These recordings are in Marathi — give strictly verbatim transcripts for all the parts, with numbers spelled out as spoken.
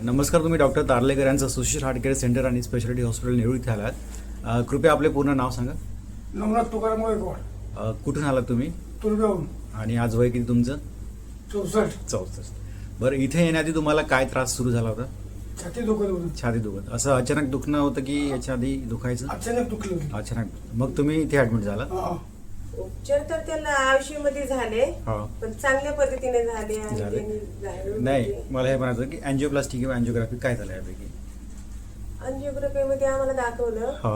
नमस्कार, तुम्ही डॉक्टर तारलेकर यांचं सुशील हार्ट केअर सेंटर आणि स्पेशालिटी हॉस्पिटल नेरूळ इथे आलात. अ, कृपया आपले पूर्ण नाव सांगा. नवनाथ तुकाराम गायकवाड, अ, कुठून आलात तुम्ही तुरगावून. आणि आज वय किती तुमचं? चौसष्ट. चौसष्ट. बरं, इथे येण्याआधी तुम्हाला काय त्रास सुरू झाला होता? छाती दुखत होती. छाती दुखत. असं अचानक दुखणं होतं की याच्या आधी दुखायचं? अचानक दुखली होती. अचानक. मग तुम्ही इथे ऍडमिट झाला? हा. उपचार तर त्याला आयुष्य मध्ये झाले, हा. पण चांगल्या पद्धतीने झाले आणि झाले? त्यांनी झाले. नाही, मला हे म्हणायचं की अँजिओप्लास्टी किंवा अँजिओग्राफी काय झालं यापैकी? अंजिओग्राफी मध्ये आम्हाला दाखवलं, हा.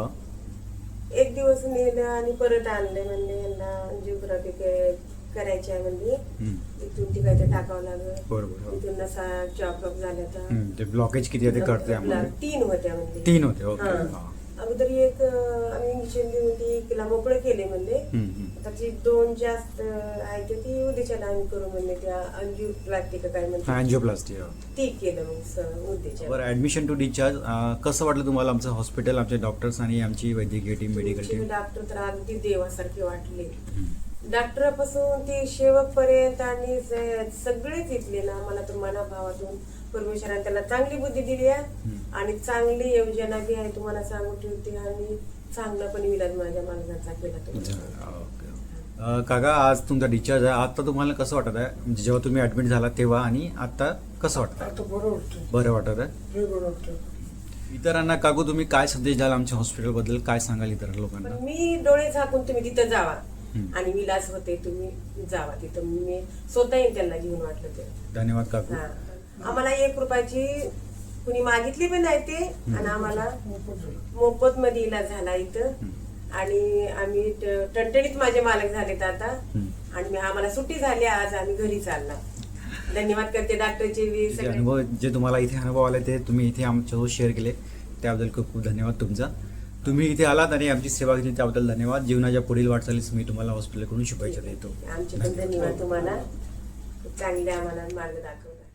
एक दिवस नेलं आणि परत आणले. म्हणले यांना अंजिओग्राफी करायची आहे म्हणले. हम्म. इथून ती काय ते टाकावं लागलं. बरोबर. हो. इथून नसा चॉकअप झाल्या तर हम्म, ते ब्लॉकेज किती आहे ते कळते आम्हाला. तीन होत्या म्हणजे. तीन होते. ओके. हा. हा. अगोदर एक अं, आम्ही इंजेक्शन देऊन ती तिला मोकळे केले म्हणले. हम्म, हम्म. आता जी दोन जास्त आहे ते ती उद्याच्याला आम्ही करू म्हणले. त्या अंजिओप्लास्टी का काय हा, म्हणते अँजिओप्लास्टी. हा. ती केलं मग स- उद्याच्या. बरं, ऍडमिशन टू डिस्चार्ज कसं वाटलं तुम्हाला आमचं हॉस्पिटल, आमचे डॉक्टर्स आणि आमची वैद्यकीय टीम, मेडिकल टीम? डॉक्टर तर अगदी देवासारखे वाटले. डॉक्टरापासून ते शेवक पर्यंत आणि स- सगळेच इथले ना, मला तर मनाभावातून परमेश्वराने त्याला चांगली बुद्धी दिली आहे आणि चांगली योजना बी आहे तुम्हाला सांगू ठेवते. आणि चांगला पण विलाज माझ्या मागण्याचा केला तुम्ही. अ, काका, आज तुमचा डिस्चार्ज आहे. आता तुम्हाला कसं वाटत आहे, म्हणजे जेव्हा तुम्ही ऍडमिट झाला तेव्हा आणि आता कसं वाटतं? आता बरं वाटतं. बरं वाटत आहे? लय बरं वाटतं. इतरांना काकू तुम्ही काय संदेश द्याल आमच्या हॉस्पिटल बद्दल, काय सांगाल इतर लोकांना? पण मी डोळे झाकून तुम्ही तिथं जावा हम्म. आणि विलास होते तुम्ही जावा तिथं. मी स्वतः येईन त्यांना घेऊन वाटलं ते. धन्यवाद काकू. हा. आम्हाला एक रुपयाची कुणी मागितली पण नाही ते. आणि आम्हाला मोफत झालं. मोफत मध्ये इलाज झाला इथं. आणि आम्ही ट- टणटणीत माझे मालक झालेत आता. हम्म. आणि मी- आम्हाला सुट्टी झाली, आज आम्ही घरी चालला. धन्यवाद करते डॉक्टरचे बी जे सगळे. अनुभव जे तुम्हाला इथे अनुभव आले ते तुम्ही इथे आमच्यासोबत शेअर केले, त्याबद्दल खूप खूप धन्यवाद तुमचा. तुम्ही इथे आलात आणि आमची सेवा केली त्याबद्दल धन्यवाद. जीवनाच्या पुढील वाटचालीस मी तुम्हाला हॉस्पिटलकडून शुभेच्छा देतो. आमचे पण धन्यवाद तुम्हाला. खूप चांगले आम्हाला मार्ग दाखवला.